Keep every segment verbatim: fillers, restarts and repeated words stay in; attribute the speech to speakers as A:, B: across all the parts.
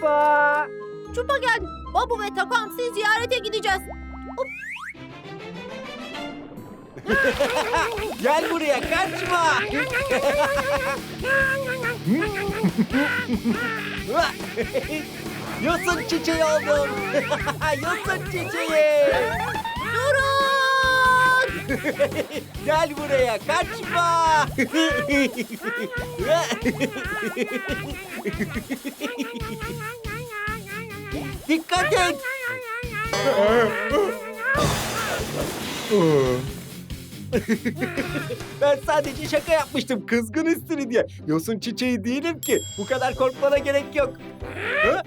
A: Çupa.
B: Çupa geldi. Babu ve Takamsi ziyarete gideceğiz.
A: Gel buraya, kaçma. Yosun çiçeği oldum. Yosun çiçeği.
B: Durun!
A: Gel buraya, kaçma. Dikkat et. Ben sadece şaka yapmıştım, kızgın üstünü diye. Yosun çiçeği değilim ki. Bu kadar korkmana gerek yok. Ha?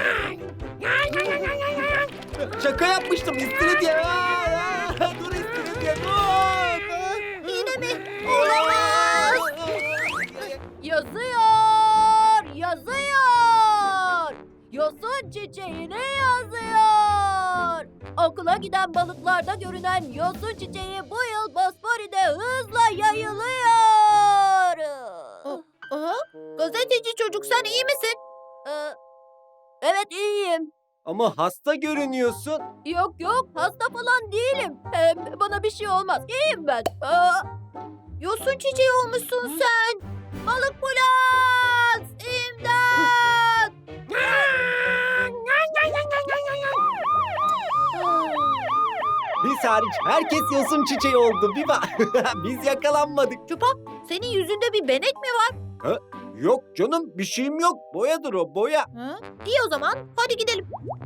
A: Şaka yapmıştım üstünü diye. Aa, dur üstünü diye, dur.
B: Yine mi? Olamaz! Yazıyor! Yazıyor! Yosun çiçeğini yazıyor! Okula giden balıklarda görünen yosun çiçeği bu yıl Bosfori'de hızla yayılıyor. Aha, gazeteci çocuk, sen iyi misin? Ee, evet iyiyim.
A: Ama hasta görünüyorsun.
B: Yok yok, hasta falan değilim. Hem bana bir şey olmaz. İyiyim ben. Aa, yosun çiçeği olmuşsun sen. Balık Bulat! İmdat!
A: Biz hariç herkes yosun çiçeği oldu Biba. Biz yakalanmadık.
B: Çupa, senin yüzünde bir benek mi var?
A: Yok canım, bir şeyim yok. Boyadır o, boya.
B: Ha? İyi o zaman, hadi gidelim.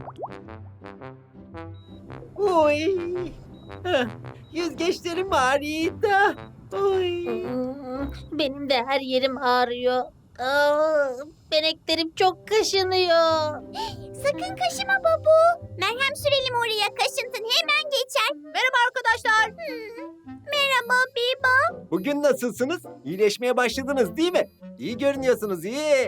A: Oy. Heh, yüzgeçlerim ağrıyor da. Oy.
B: Benim de her yerim ağrıyor. Aa, beneklerim çok kaşınıyor.
C: Sakın kaşıma babu. Merhem sürelim oraya, kaşıntın hemen geçer.
B: Merhaba arkadaşlar.
C: Merhaba Biba.
A: Bugün nasılsınız? İyileşmeye başladınız değil mi? İyi görünüyorsunuz, iyi.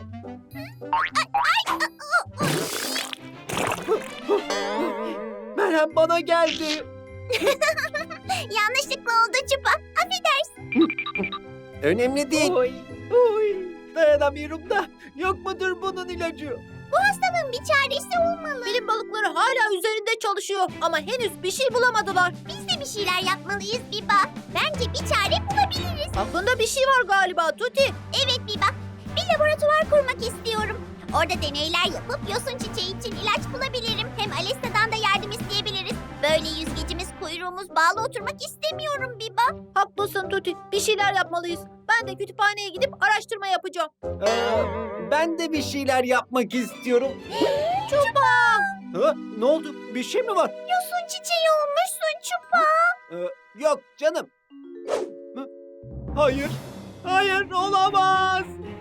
A: Merhem bana geldi.
C: Yanlışlıkla oldu Çupa. Affedersin.
A: Önemli değil. Oy, oy. Dayanamıyorum da. Yok mudur bunun ilacı?
C: Bu hastalığın bir çaresi olmalı.
B: Bilim balıkları hala üzerinde çalışıyor ama henüz bir şey bulamadılar.
C: Biz de bir şeyler yapmalıyız Biba. Bence bir çare bulabiliriz.
B: Aklında bir şey var galiba Tuti.
C: Evet Biba. Bir laboratuvar kurmak istiyorum. Orada deneyler yapıp yosun çiçeği için ilaç bulabilirim. Hem Alesta'dan da yardım isteyebiliriz. Böyle yüzgecimiz, kuyruğumuz bağlı oturmak istemiyorum Biba.
B: Haklısın Tuti. Bir şeyler yapmalıyız. Ben de kütüphaneye gidip araştırma yapacağım.
A: Ee, ben de bir şeyler yapmak istiyorum.
B: Çupa!
A: Ha, ne oldu? Bir şey mi var?
C: Yosun çiçeği olmuşsun Çupa.
A: Ee, yok canım. Hı? Hayır. Hayır, olamaz.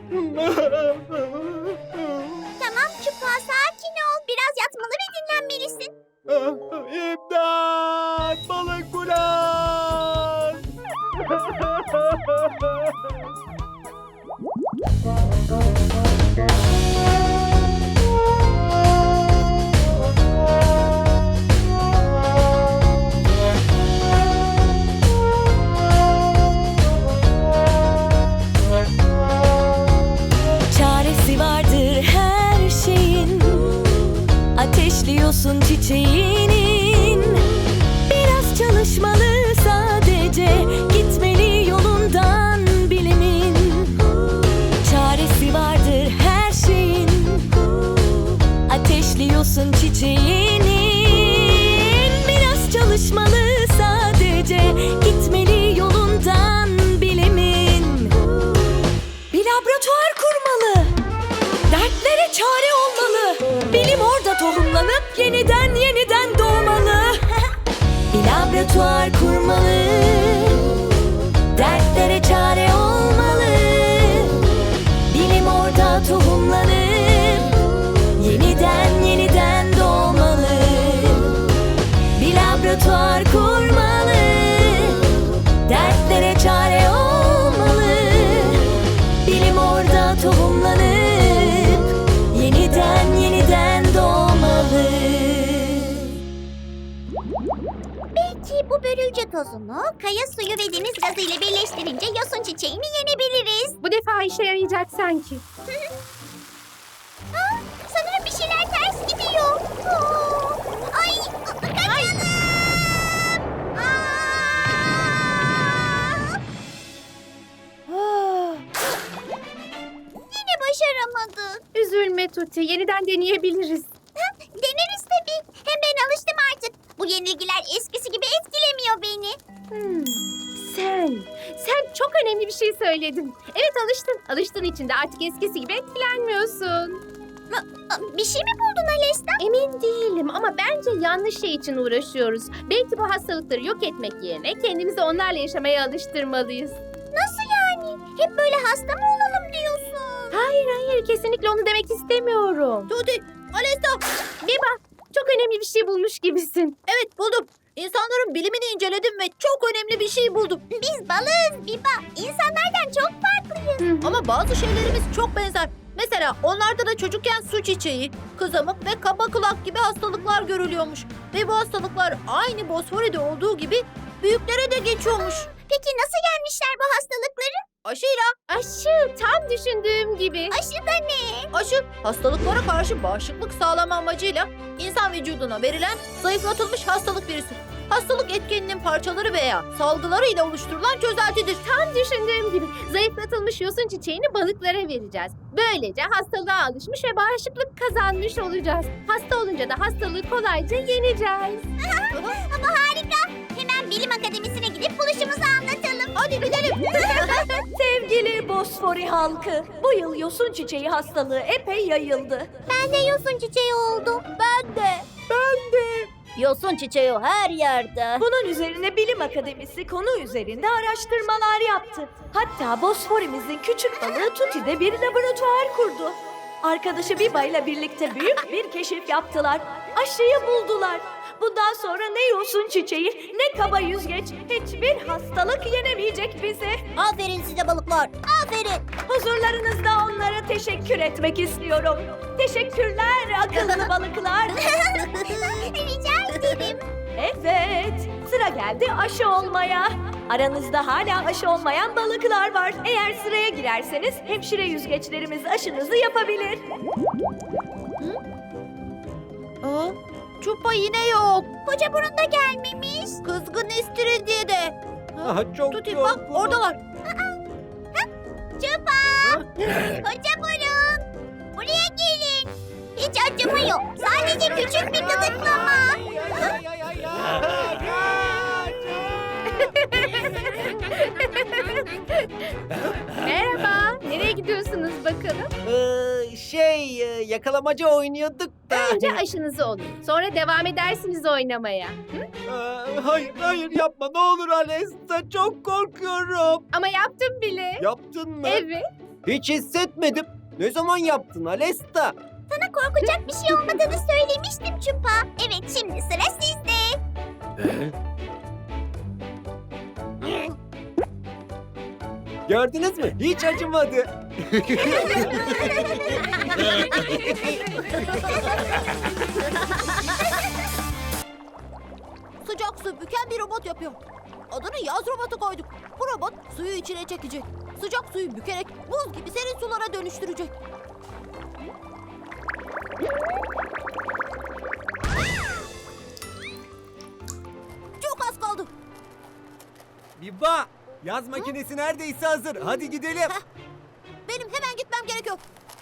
C: Tamam Çupa, sakin ol. Biraz yatmalı ve dinlenmelisin.
A: İmdat! Balık Bulat!
D: Çaresi vardır her şeyin, ateşliyorsun çiçeğinin. Biraz çalışmalı sadece, gitmeli yolundan bilimin. Çaresi vardır her şeyin, ateşliyorsun çiçeğinin. Biraz çalışmalı sadece, gitmeli yolundan bilimin. Bir laboratuvar kurmalı, dertlere çare olmalı. Bilim orada tohumlanıp yeniden yeniden doğmalı. Bir laboratuvar kurmalı, dertlere çare olmalı. Bilim orada tohumlanıp yeniden yeniden doğmalı. Bir laboratuvar kurmalı, dertlere çare olmalı. Bilim orada tohumlanıp yeniden yeniden doğmalı.
C: Belki bu börülce tozunu kaya suyu ve deniz gazı ile birleştirince yosun çiçeğini yenebiliriz.
E: Bu defa işe yarayacak sanki.
C: Aa, sanırım bir şeyler
B: üzülme Tuti. Yeniden deneyebiliriz.
C: Deneriz tabii. Hem ben alıştım artık. Bu yenilgiler eskisi gibi etkilemiyor beni.
B: Hmm, sen, sen çok önemli bir şey söyledin. Evet alıştın. Alıştığın için de artık eskisi gibi etkilenmiyorsun.
C: Aa, Bir şey mi buldun Alesta?
B: Emin değilim ama bence yanlış şey için uğraşıyoruz. Belki bu hastalıkları yok etmek yerine kendimizi onlarla yaşamaya alıştırmalıyız.
C: Nasıl yani? Hep böyle hasta mı olalım diyorsun?
B: Hayır hayır kesinlikle onu demek istemiyorum. Tuti, Alesta, Biba çok önemli bir şey bulmuş gibisin. Evet buldum. İnsanların bilimini inceledim ve çok önemli bir şey buldum.
C: Biz balığız Biba. İnsanlardan çok farklıyız.
B: Ama bazı şeylerimiz çok benzer. Mesela onlarda da çocukken su çiçeği, kızamık ve kaba kulak gibi hastalıklar görülüyormuş. Ve bu hastalıklar aynı Bosfori'de olduğu gibi büyüklere de geçiyormuş.
C: Peki nasıl yenmişler bu hastalıkları?
B: Aşıyla. Aşı tam düşündüğüm gibi.
C: Aşı da ne?
B: Aşı hastalıklara karşı bağışıklık sağlama amacıyla insan vücuduna verilen zayıflatılmış hastalık virüsü. Hastalık etkeninin parçaları veya salgıları ile oluşturulan çözeltidir. Tam düşündüğüm gibi zayıflatılmış yosun çiçeğini balıklara vereceğiz. Böylece hastalığa alışmış ve bağışıklık kazanmış olacağız. Hasta olunca da hastalığı kolayca yeneceğiz.
C: Ama harika. Hemen bilim akademisine gidip buluşumuzu anlatalım.
B: Hadi gidelim.
D: Sevgili Bosfori halkı, bu yıl yosun çiçeği hastalığı epey yayıldı.
C: Ben de yosun çiçeği oldum.
B: Ben de. Ben de. Yosun çiçeği her yerde.
D: Bunun üzerine Bilim Akademisi konu üzerinde araştırmalar yaptı. Hatta Bosfor'imizin küçük balığı Tuti'de bir laboratuvar kurdu. Arkadaşı Biba ile birlikte büyük bir keşif yaptılar. Aşıyı buldular. Bundan sonra ne yosun çiçeği ne kaba yüzgeç hiçbir hastalık yenemeyecek bizi.
C: Aferin size balıklar. Aferin.
D: Huzurlarınızda onlara teşekkür etmek istiyorum. Teşekkürler akıllı balıklar.
C: Rica ederim.
D: Evet, sıra geldi aşı olmaya. Aranızda hala aşı olmayan balıklar var. Eğer sıraya girerseniz hemşire yüzgeçlerimiz aşınızı yapabilir.
B: Aa, Çupa yine yok.
C: Koca burun da gelmemiş.
B: Kızgın istiridye de.
A: Aha, çok
B: Tuti bak
A: yorgunum.
B: oradalar.
C: Çupa. Koca burun. Buraya gelin. Hiç acımıyor. Sadece küçük bir gıdıklama.
A: Ay, ay, ay, ay.
B: Merhaba. Nereye gidiyorsunuz bakalım?
A: Ee, şey e, yakalamaca oynuyorduk da.
B: Önce aşınızı olun. Sonra devam edersiniz oynamaya.
A: Ee, hayır hayır yapma ne olur Alesta, çok korkuyorum.
B: Ama yaptım bile.
A: Yaptın mı?
B: Evet.
A: Hiç hissetmedim. Ne zaman yaptın Alesta?
C: Sana korkacak bir şey olmadığını söylemiştim Çupa. Evet, şimdi sıra sizde.
A: Gördünüz mü? Hiç acımadı.
B: Sıcak su büken bir robot yapıyor. Adını yaz robotu koyduk. Bu robot suyu içine çekecek. Sıcak suyu bükerek buz gibi serin sulara dönüştürecek. Çok az kaldı.
A: Biba, yaz makinesi neredeyse hazır. Hadi gidelim.
B: Benim hemen gitmem gerekiyor.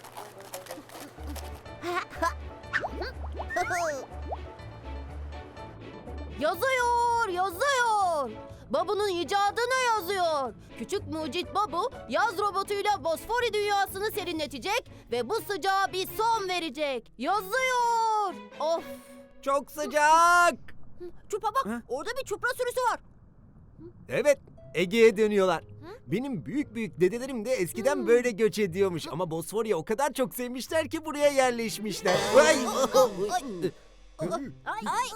B: Yazıyor, yazıyor. Babu'nun icadına yazıyor. Küçük mucit Babu, yaz robotuyla Bosfori dünyasını serinletecek ve bu sıcağa bir son verecek. Yazıyor. Of.
A: Çok sıcak.
B: Çupa bak,
A: Ha?
B: orada bir çupra sürüsü var.
A: Evet, Ege'ye dönüyorlar. Benim büyük büyük dedelerim de eskiden
B: Hmm.
A: böyle göç ediyormuş. Ama Bosfor'u o kadar çok sevmişler ki buraya yerleşmişler. Ay.
B: Ay, ay.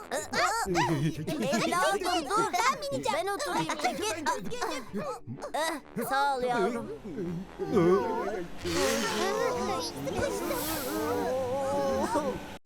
B: Evladım dur, ben bineceğim. Ben oturayım, çekil. Eh, sağ ol yavrum.
C: Sıkıştım.